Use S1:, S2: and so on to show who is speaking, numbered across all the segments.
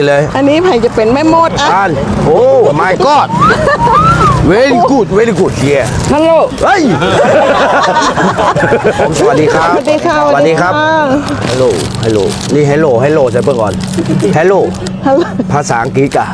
S1: เลย
S2: อันนี้ไผ่จะเป็นแม่มดอ่ะ
S1: อันโอ้ my god very good very good here
S2: ฮัลโหล
S1: เฮ้ย สวัสดีครับ
S2: สวัสดีค่ะ
S1: สวัสดีครับฮัลโหลฮัลโหลนี่ฮัลโหลฮัลโหลใช่เพื่อก่อนฮัลโหล
S2: ฮัลโหล
S1: ภาษาอังกฤษกะ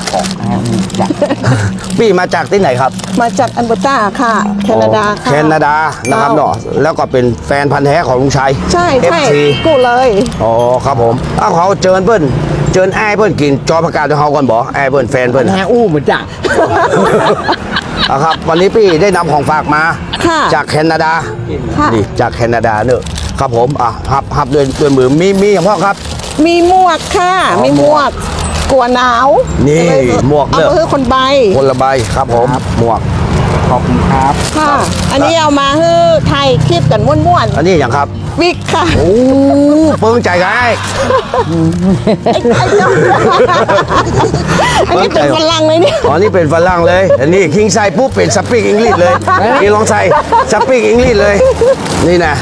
S1: พี่มาจากที่ไหนครับ
S2: มาจากอันเบอร์ตาค่ะ แคนาดาค่ะ
S1: แคนาดานะครับเนาะแล้วก็เป็นแฟนพันธุ์แท้ของลุงชัย
S2: ใช่ใช่
S1: FC
S2: กูเลย
S1: อ๋อครับผมอ้าวเขาเจิญเพิ่นเจิญไอ้ายเพิ่นกินจอประกาศให้เขาก่อนบ่ไอ้ายเพิ่นแฟนเพิ่น
S3: แฮอู้เหมือนจ้ะ
S1: อ่ะครับวันนี้พี่ได้นำของฝากมา
S2: ค่ะ
S1: จากแคนาดา
S2: ค่ะ
S1: นี่จากแคนาดาเนอะครับผมอ่ะหับด้วยมือมีอย่างพ่อครับ
S2: มีหมวกค่ะ มีหมวกกลัวหนาว
S1: นี่
S2: ก็เลย
S1: หมวก
S2: เอา
S1: เด้อ
S2: มาให้คนใบ
S1: คนละใบครับผมหมวก
S3: ขอบคุณครับ
S2: ค่ะ อันนี้เอามาให้ไทยคลิปกันม่วน
S1: อันนี้อย่างครับ
S2: ๆวิกค่ะ
S1: โอ้เปิ้งใจไง
S2: ไอ้เจ้าอันนี้เป็นฝรั่งเลยเนี่ย
S1: อ๋อนี่เป็นฝรั่งเลย อันนี้คิงใส่ปุ๊บเป็นสปีกอังกฤษเลยนี่ลองใส่สปีกอังกฤษเลย นี่นะ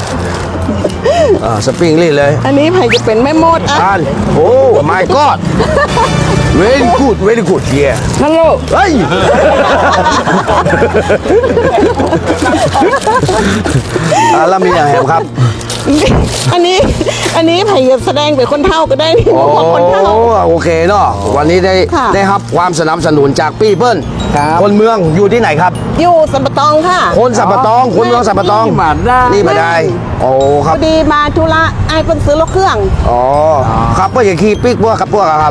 S1: สปีกอังกฤษเลย
S2: อันนี้ไผ่จะเป็นแม่มดอ่ะ
S1: อันโอ้ my god very good very good here
S2: ฮัลโหล
S1: เฮ้ย แล้วมีอย่างแหมครับ
S2: อันนี้ไผ่จะแสดงเป็นคนเฒ่าก็ได้นี่
S1: โอ้
S2: บอกคนเฒ่า
S1: โอเคเนาะวันนี้ได้
S2: ค่ะ
S1: ได้รับความสนับสนุนจากพี่เปิ้ล
S3: ครับ
S1: คนเมืองอยู่ที่ไหนครับ
S2: อยู่สัมปะตองค่ะ
S1: คนสัมปะตองคนเมืองสัมปะตอง
S3: นี่มาได้
S1: นี่มาได้โอ้ค
S2: พ
S1: รับ
S2: อดีมาธุระไอ้เพิ่นซื้อรถเครื่อง
S1: อ๋อครับก็อย่างขี่ปิ๊กพวกครับพวกอะครับ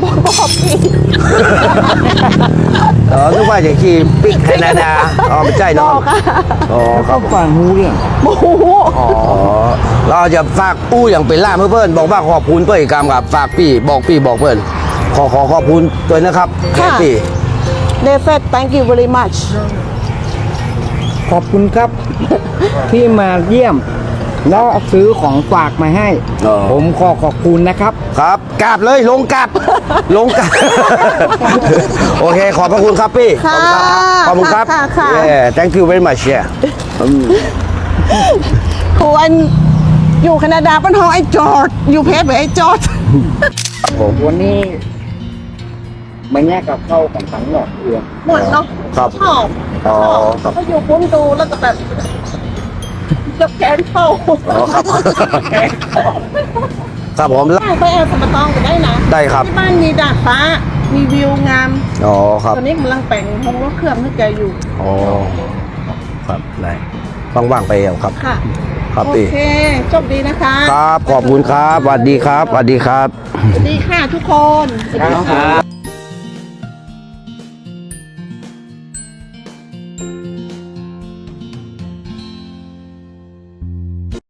S1: นึกว่าอย่างขี่ปิ๊กแคนาดาอ๋อไม่ใช่เนาะอ๋อค
S3: ก็
S1: รับ
S3: ฟังหูเรื่อง
S2: โอ้โห
S1: อ๋อเราจะฝากอู้อย่างเป็นล่ามเพื่อนบอกว่าขอบคุณเพื่อนอีกคำครับฝากพี่บอกเพื่อนขอขอบคุณด้วยนะครับแค่พี่
S2: They said thank you very much
S3: ขอบคุณครับ ที่มาเยี่ยม แล้วซื้อของฝากมาให้ ผมขอบคุณนะครับ
S1: ครับกราบเลยลงกราบลงกราบ โอเคขอบพระคุณครับพี่
S2: ค่ะ
S1: ขอบคุณครับ
S2: ค่ะ
S1: Yeah thank you very much yeah
S2: ควรอยู่แคนาดาเป็นห้องไอ้จอร์ดอยู่เพชรไอ้จอร์ด
S3: วันนี้มาแยกกับเข้าของทั้งหมดเอือง
S2: หมดเนาะ
S1: ครับ
S2: ชอบ
S1: อ๋อครับ
S2: ก็อยู่พุ่มดูแล้วก็แบบจับแขนเข้า
S1: อ๋อครับ ครับผม
S2: ได้ไปแอลสัมปะตองก็ได้นะ
S1: ได้ครับ
S2: ที่บ้านมีดาดฟ้า มีวิวงาม
S1: อ๋อครับ
S2: ตอนนี้กำลังแต่งห้องรถเครื่องให้แกอยู่
S1: อ๋อครับได้ว่างๆไปเอาครับ
S2: ค่ะ
S1: ครับ
S2: โอ
S1: พี่
S2: เคโชคดีนะคะ
S1: ครับขอบคุณครับสวัสดีครับสวัสดีครับ
S2: สวัสดีค่ะทุกคนสวัสดีค่ะ